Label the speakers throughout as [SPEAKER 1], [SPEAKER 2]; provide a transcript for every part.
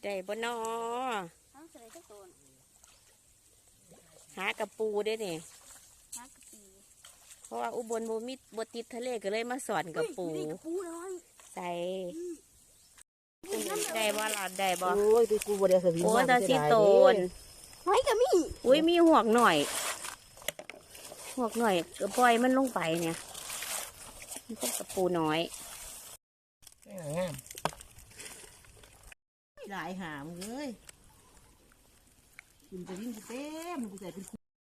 [SPEAKER 1] ได้บ่นอ
[SPEAKER 2] ทั้งเสร็จทุกตัว
[SPEAKER 1] หากระปูได้เนี่ย
[SPEAKER 2] ฮักกะปี
[SPEAKER 1] เพราะว่าอุบลบ่ติดทะเลก็เลยมาสอนกระปู
[SPEAKER 2] น้อย
[SPEAKER 1] ใส่ได้บ่หลอดได้บ่
[SPEAKER 3] โอ้ยไปกูบ่ได้สวิง
[SPEAKER 1] โอ้ยตาสิโตน
[SPEAKER 2] หอยกะมี
[SPEAKER 1] อุ้ยมีหวกหน่อยหวกหน่อยก็ปล่อยมันลงไปเนี่ยมันเป็นกระปูน้อย
[SPEAKER 3] งามหลายหามเลยกินจะวิ่งเต็มกูใส่เป็น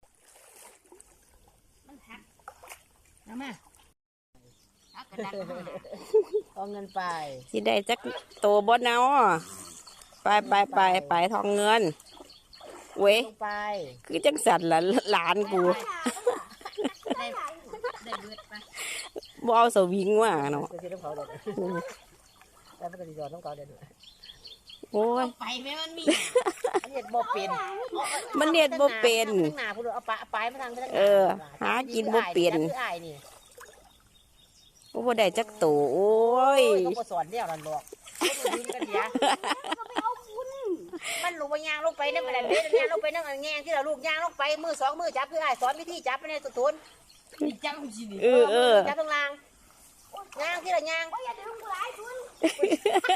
[SPEAKER 2] มันหัก
[SPEAKER 3] น้ำมา
[SPEAKER 2] หักกระดัก
[SPEAKER 3] เอาเงินไป
[SPEAKER 1] สิได้จักโตบ่เนาะไปทองเงินเว้ย
[SPEAKER 3] ไป
[SPEAKER 1] คือจังสันละหลานกู
[SPEAKER 2] ได้เบิดไป
[SPEAKER 1] บ่เอาสวิงว่ะเนาะ
[SPEAKER 3] แล้วมันก็จะยอดต้องเกาเด็ด
[SPEAKER 1] โอ้ย
[SPEAKER 2] ไปแม่มันมี
[SPEAKER 3] มันเน็ดบ่เป็น
[SPEAKER 1] มันเน็ดบ่เป็น
[SPEAKER 3] หน้าพูดเอาปลายมาทาง
[SPEAKER 1] หากินบ่เป็นบ่ได้จักโตโอ้ย
[SPEAKER 3] ก็บ่สอนเดี่ยวนั่นหรอกมันลูกว่ายางลงไปเนี่ยมันเด็ดยางลงไปนั่งแงงที่เราลูกยางลงไปมือ2 มือจับคือสอนวิธีจับไปในตุน
[SPEAKER 2] จังสิ
[SPEAKER 1] จับ
[SPEAKER 3] ตรงล่างยางที่เรายาง